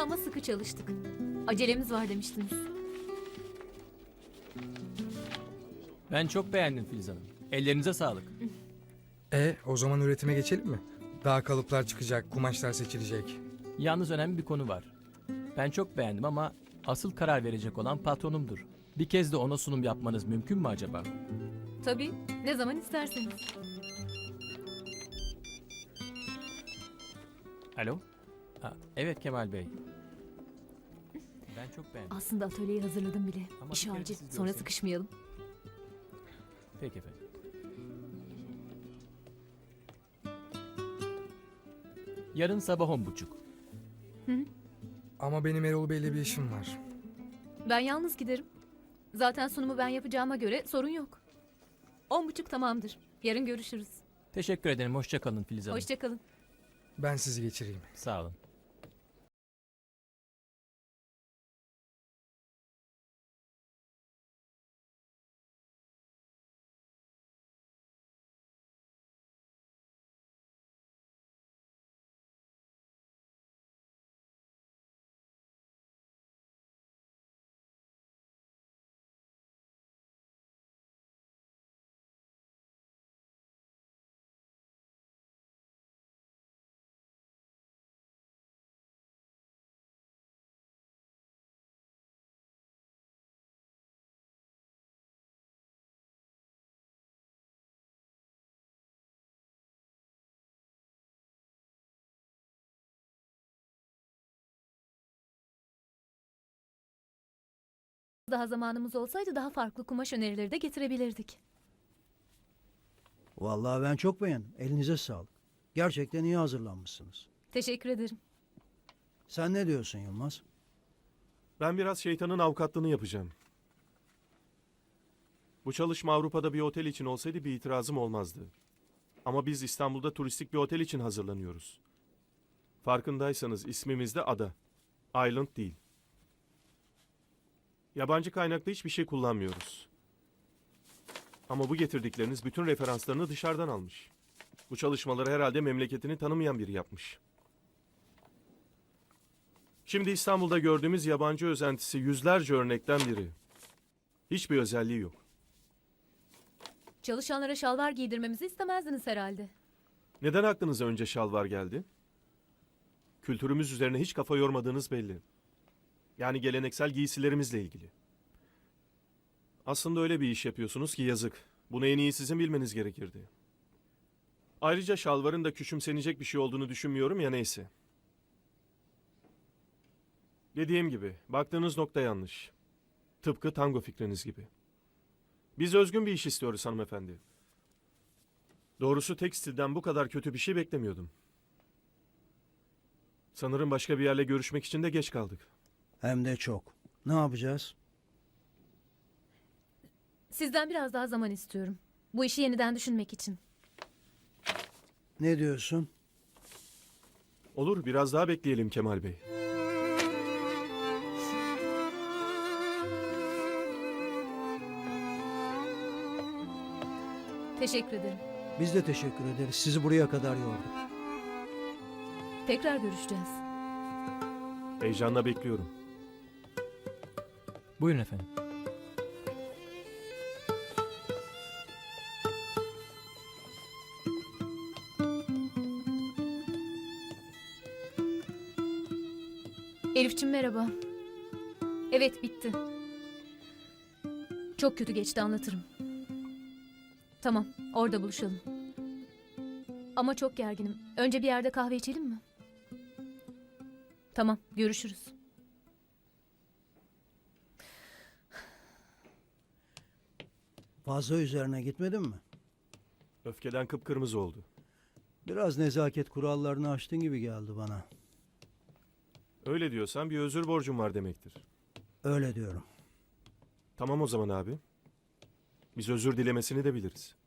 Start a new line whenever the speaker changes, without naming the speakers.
ama sıkı çalıştık. Acelemiz var demiştiniz.
Ben çok beğendim Filiz Hanım. Ellerinize sağlık.
O zaman üretime geçelim mi? Daha kalıplar çıkacak, kumaşlar seçilecek.
Yalnız önemli bir konu var. Ben çok beğendim ama asıl karar verecek olan patronumdur. Bir kez de ona sunum yapmanız mümkün mü acaba?
Tabii, ne zaman isterseniz.
Alo? Evet Kemal Bey. Ben çok beğendim.
Aslında atölyeyi hazırladım bile.
Ama
İş
bir kere
acil,
siz
sonra
görseniz.
sıkışmayalım.
Peki efendim. Yarın sabah 10.30.
Ama benim Erol Bey'le bir işim var.
Ben yalnız giderim. Zaten sunumu ben yapacağıma göre sorun yok. 10.30 tamamdır. Yarın görüşürüz.
Teşekkür ederim. Hoşça kalın Filiz Hanım.
Hoşça kalın.
Ben sizi geçireyim.
Sağ olun.
Daha zamanımız olsaydı daha farklı kumaş önerileri de getirebilirdik.
Vallahi ben çok beğendim. Elinize sağlık. Gerçekten iyi hazırlanmışsınız.
Teşekkür ederim.
Sen ne diyorsun Yılmaz?
Ben biraz şeytanın avukatlığını yapacağım. Bu çalışma Avrupa'da bir otel için olsaydı bir itirazım olmazdı. Ama biz İstanbul'da turistik bir otel için hazırlanıyoruz. Farkındaysanız ismimiz de ada. Island değil. Yabancı kaynaklı hiçbir şey kullanmıyoruz. Ama bu getirdikleriniz bütün referanslarını dışarıdan almış. Bu çalışmaları herhalde memleketini tanımayan biri yapmış. Şimdi İstanbul'da gördüğümüz yabancı özentisi yüzlerce örnekten biri. Hiçbir özelliği yok.
Çalışanlara şalvar giydirmemizi istemezdiniz herhalde.
Neden aklınıza önce şalvar geldi? Kültürümüz üzerine hiç kafa yormadığınız belli. Yani geleneksel giysilerimizle ilgili. Aslında öyle bir iş yapıyorsunuz ki yazık. Bunu en iyi sizin bilmeniz gerekirdi. Ayrıca şalvarın da küçümsenecek bir şey olduğunu düşünmüyorum ya neyse. Dediğim gibi baktığınız nokta yanlış. Tıpkı tango fikriniz gibi. Biz özgün bir iş istiyoruz hanımefendi. Doğrusu tekstilden bu kadar kötü bir şey beklemiyordum. Sanırım başka bir yerle görüşmek için de geç kaldık.
Hem de çok. Ne yapacağız?
Sizden biraz daha zaman istiyorum. Bu işi yeniden düşünmek için.
Ne diyorsun?
Olur, biraz daha bekleyelim Kemal Bey.
Teşekkür ederim.
Biz de teşekkür ederiz. Sizi buraya kadar yorduk.
Tekrar görüşeceğiz.
Heyecanla bekliyorum.
Buyurun efendim.
Elifçim merhaba. Evet bitti. Çok kötü geçti anlatırım. Tamam orada buluşalım. Ama çok gerginim. Önce bir yerde kahve içelim mi? Tamam görüşürüz.
Fazla üzerine gitmedin mi?
Öfkeden kıpkırmızı oldu.
Biraz nezaket kurallarını aştın gibi geldi bana.
Öyle diyorsan bir özür borcum var demektir.
Öyle diyorum.
Tamam o zaman abi. Biz özür dilemesini de biliriz.